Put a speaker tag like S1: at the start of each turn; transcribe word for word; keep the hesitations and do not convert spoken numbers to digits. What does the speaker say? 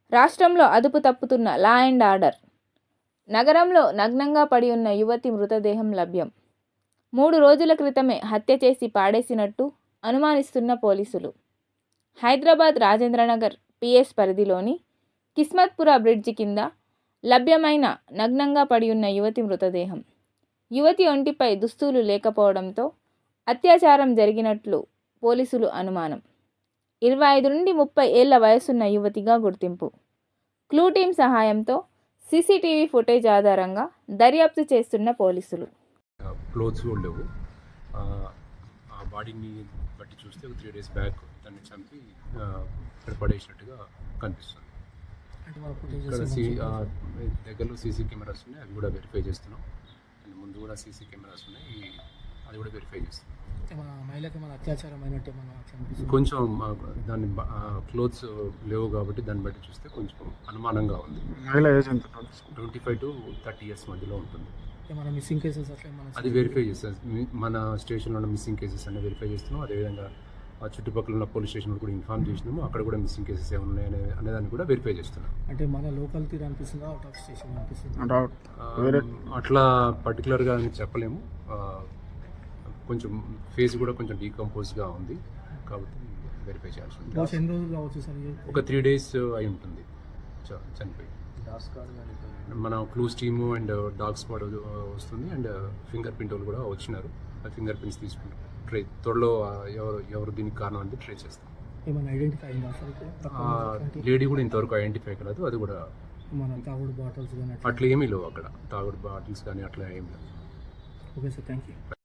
S1: రాష్ట్రంలో అదుపు తప్పుతున్న law and order. నగరంలో నగ్నంగా పడి ఉన్న యువతి మృతదేహం లభ్యం. మూడు రోజుల క్రితమే హత్య చేసి పాడేసినట్టు అనుమానిస్తున్న పోలీసులు. హైదరాబాద్ రాజేంద్రనగర్ పిఎస్ పరిధిలోని కిస్మత్పుర బ్రిడ్జి కింద లభ్యమైన నగ్నంగా పడి ఉన్న యువతి మృతదేహం. యువతి ఒంటిపై దుస్తులు లేకపోవడంతో అత్యాచారం జరిగినట్లు పోలీసులు అనుమానం. ఇరవై ఐదు నుండి ముప్పై ఏళ్ల వయసున్న యువతిగా గుర్తింపు. క్లూ టీమ్ సహాయంతో సీసీటీవీ ఫుటేజ్ ఆధారంగా దర్యాప్తు చేస్తున్న పోలీసులు.
S2: క్లోత్స్ కూడా లేవు. ఆ బాడీని బట్టి చూస్తే ఒక త్రీ డేస్ బ్యాక్ దాన్ని చంపి ఇక్కడ పడేసినట్టుగా కనిపిస్తుంది. ఇక్కడ సీ దగ్గరలో సీసీ కెమెరాస్ ఉన్నాయి, అవి కూడా వెరిఫై చేస్తున్నాం. అండ్ ముందు కూడా సీసీ కెమెరాస్ ఉన్నాయి, అది కూడా వెరిఫై చేస్తున్నాం. కొంచెం దాన్ని క్లోత్స్ లేవు కాబట్టి దాన్ని బట్టి చూస్తే కొంచెం అనుమానంగా ఉంది. Twenty five to thirty years మధ్యలో ఉంటుంది.
S3: మిస్సింగ్ కేసెస్
S2: అది వెరిఫై చేస్తాం. మన స్టేషన్లో ఉన్న మిస్సింగ్ కేసెస్ అన్ని వెరిఫై చేస్తున్నాం. అదేవిధంగా ఆ చుట్టుపక్కల ఉన్న పోలీస్ స్టేషన్ కూడా ఇన్ఫార్మ్ చేసినాము. అక్కడ కూడా మిస్సింగ్ కేసెస్ ఏమైనా ఉన్నాయనే అనేదాన్ని కూడా వెరిఫై చేస్తున్నాం.
S3: అంటే మన లోకల్ తీరు అనిపిస్తుందా, అవుట్ ఆఫ్ స్టేషన్ అనిపిస్తుంది?
S2: అట్లా పర్టికులర్గా అని చెప్పలేము. కొంచెం ఫేస్ కూడా కొంచెం డీకంపోజ్గా ఉంది కాబట్టి వెరిఫై చేయాల్సి ఉంటుంది.
S3: ఎన్ని రోజులు కావచ్చు సార్?
S2: ఒక త్రీ డేస్ అయి ఉంటుంది చనిపోయి. మన clues team and dog spot వస్తుంది అండ్ ఫింగర్ ప్రింట్ వాళ్ళు కూడా వచ్చినారు. ఆ ఫింగర్ ప్రింట్స్ తీసుకుంటాం. ట్రై త్వరలో ఎవరు ఎవరు దీనికి కారణం అంటే ట్రై చేస్తాం.
S3: ఏమైనా ఐడెంటిఫై అయిందా సార్?
S2: లేడీ కూడా ఇంతవరకు ఐడెంటిఫై కాలేదు. అది కూడా
S3: మన తాగుడు బాటిల్స్ కానీ
S2: అట్లా ఏమీ లేవు అక్కడ. తాగుడు బాటిల్స్ కానీ అట్లా ఏమీ లేవు.
S3: Okay sir, thank you.